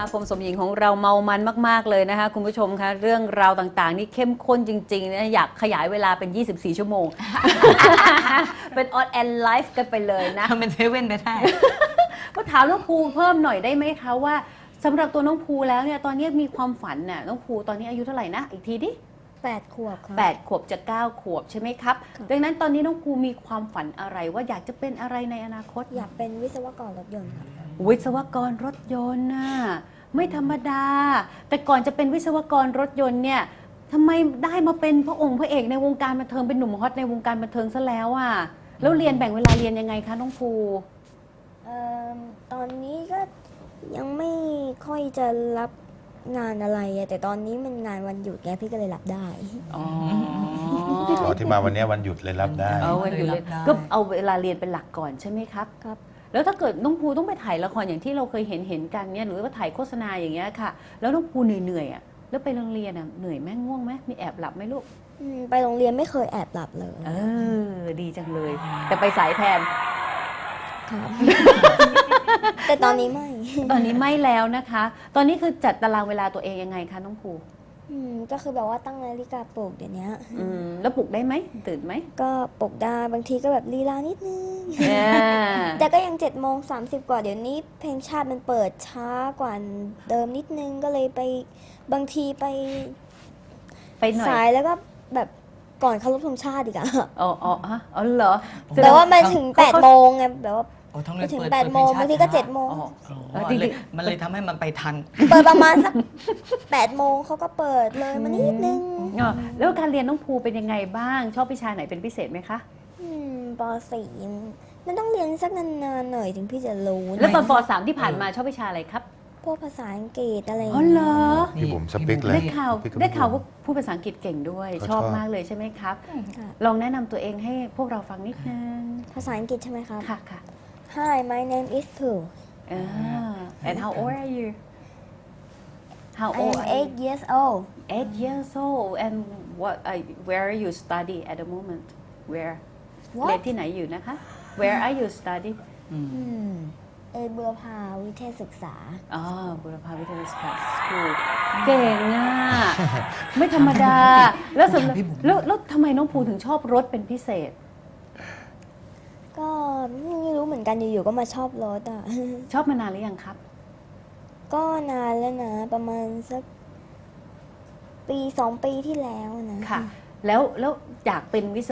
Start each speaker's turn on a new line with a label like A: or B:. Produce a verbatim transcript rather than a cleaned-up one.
A: มาคมสมหญิงของเราเมามันมากๆเลยนะคะคุณผู้ชมคะเรื่องราวต่างๆนี่เข้มข้นจริงๆนะอยากขยายเวลาเป็นยี่สิบสี่ชั่วโมง เป็นออนแอนไลฟ์กันไปเลยนะ
B: ทำเป็นเซเว่นไปได้
A: ก็ถามน้องภูเพิ่มหน่อยได้ไหมคะว่าสำหรับตัวน้องภูแล้วเนี่ยตอนนี้มีความฝันน่ะน้องภูตอนนี้อายุเท่าไหร่นะอีกทีดิ
C: แปดขวบครับ
A: แปดขวบจะเก้าขวบใช่ไหมครับ
C: ค่ะ
A: ดังนั้นตอนนี้น้องภูมีความฝันอะไรว่าอยากจะเป็นอะไรในอนาคต
C: อยากเป็นวิศวกรรถยนต์ครับ
A: วิศวกรรถยนต์น่ะไม่ธรรมดา แต่ก่อนจะเป็นวิศวกรรถยนต์เนี่ยทำไมได้มาเป็นพระองค์พระเอกในวงการบันเทิงเป็นหนุ่มฮอตในวงการบันเทิงซะแล้วอ่ะแล้วเรียนแบ่งเวลาเรียนยังไงคะน้องภู
C: เอ่อตอนนี้ก็ยังไม่ค่อยจะรับงานอะไรอะแต่ตอนนี้มันงานวันหยุดไงพี่ก็เลยรับได้
A: อ๋อ
D: อ๋อที่มาวันนี้วันหยุดเลยรับได้
A: เอาวันอยู่เลย
B: รับได้
A: ก็เอาเวลาเรียนเป็นหลักก่อนใช่ไหมครับ
C: ครับ
A: แล้วถ้าเกิดน้องภูต้องไปถ่ายละครอย่างที่เราเคยเห็นเห็นกันเนี่ยหรือว่าถ่ายโฆษณาอย่างเงี้ยค่ะ แล้วน้องภูเหนื่อยๆอ่ะแล้วไปโรงเรียนอ่ะเหนื่อยไหมง่วงไหมมีแอบหลับไหมลูก
C: อืมไปโรงเรียนไม่เคยแอบหลับเลย
A: เออดีจังเลย แต่ไปสายแทน
C: ครับ แต่ตอนนี้ไม่
A: ตอนนี้ไม่แล้วนะคะ ตอนนี้คือจัดตารางเวลาตัวเองยังไงคะน้องภู
C: อืมก็คือแบบว่าตั้งนาฬิกาปลุกเดี๋ยวนี้
A: อืมแล้วปลุกได้ไหมตื่นไหม
C: ก็ปลุกได้บางทีก็แบบลีลานิดนึง
A: อ่า
C: แต่ก็ยังเจ็ดโมงสามสิบกว่าเดี๋ยวนี้เพลงชาติมันเปิดช้ากว่าเดิมนิดนึงก็เลยไปบางทีไป
A: ไปหน่อย
C: สายแล้วก็แบบก่อนเคารพธงชาติอีกอะ
A: อ๋ออ๋อฮะอ๋อเหรอ
C: แต่ว่ามาถึงแปดโมงไงแบบว่า
B: โอ้ท้อง
C: ไป
B: เรียน
C: ถึง
B: เปิด
C: แปด
B: เปิ
C: โมง
B: พลชติ
C: บางทีก็เจ็ดโมง
A: อ๋อ
B: อ๋อ
A: เออ
B: มันเลย
A: จริง
B: มันเลยทำให้มันไปทัน
C: เปิดประมาณสักแปดโมงเขาก็เปิดเลยมานิดนึง
A: อ๋อแล้วการเรียนน้องภูเป็นยังไงบ้าง ชอบวิชาไหนเป็นพิเศษไหมคะ
C: อืมปสี่มันต้องเรียนสักนานๆหน่อยถึงพี่จะรู้
A: แล้วตอน
C: นะ
A: ป สามที่ผ่านมาชอบวิชาอะไรครับ
C: พวกภาษาอังกฤษอะไรอย่าง
A: อ๋อ
C: เงี้ย
A: เหรอ
D: พี่บุ๋มสปิกเลย
A: ได้ข่าว
D: พี่ก็
A: ได้ข่าวว่าพูดภาษาอังกฤษเก่งด้วย
D: เขา
A: ชอบ
D: ชอบ
A: มากเลยใช่ไหมครับ
C: ค่ะ
A: ลองแนะนำตัวเองให้พวกเราฟังนิดนึง
C: ภาษาอังกฤษใช่ไหมครับ
A: ค่ะค่ะ
C: Hi my name is Pooh
A: อ่า and how old are you how
C: I
A: old
C: am
A: are you
C: eight years old
A: eight years old and what are, where are you study at the moment where เรียน
C: What
A: ที่ไหนอยู่นะคะ where are you study
B: อืม
C: อืมเอเบือพาวิเทศศึกษา
A: อ๋อบุรพาวิทยาศาสตร์สคูลเก่งอ่ะ ไม่ธรรมดา แล้วสำหรับ
B: พี่บุ๋ม
A: แล้วแล้วทำไมน้องภูถึงชอบรถเป็นพิเศษ
C: ก็ไม่รู้เหมือนกันอยู่ๆก็มาชอบรถอ่ะ
A: ชอบมานานหรือยังครับ
C: ก็นานแล้วนะ ประมาณสักปีสองปีที่แล้วนะ
A: ค่ะ แล้วแล้วอยากเป็นวิศ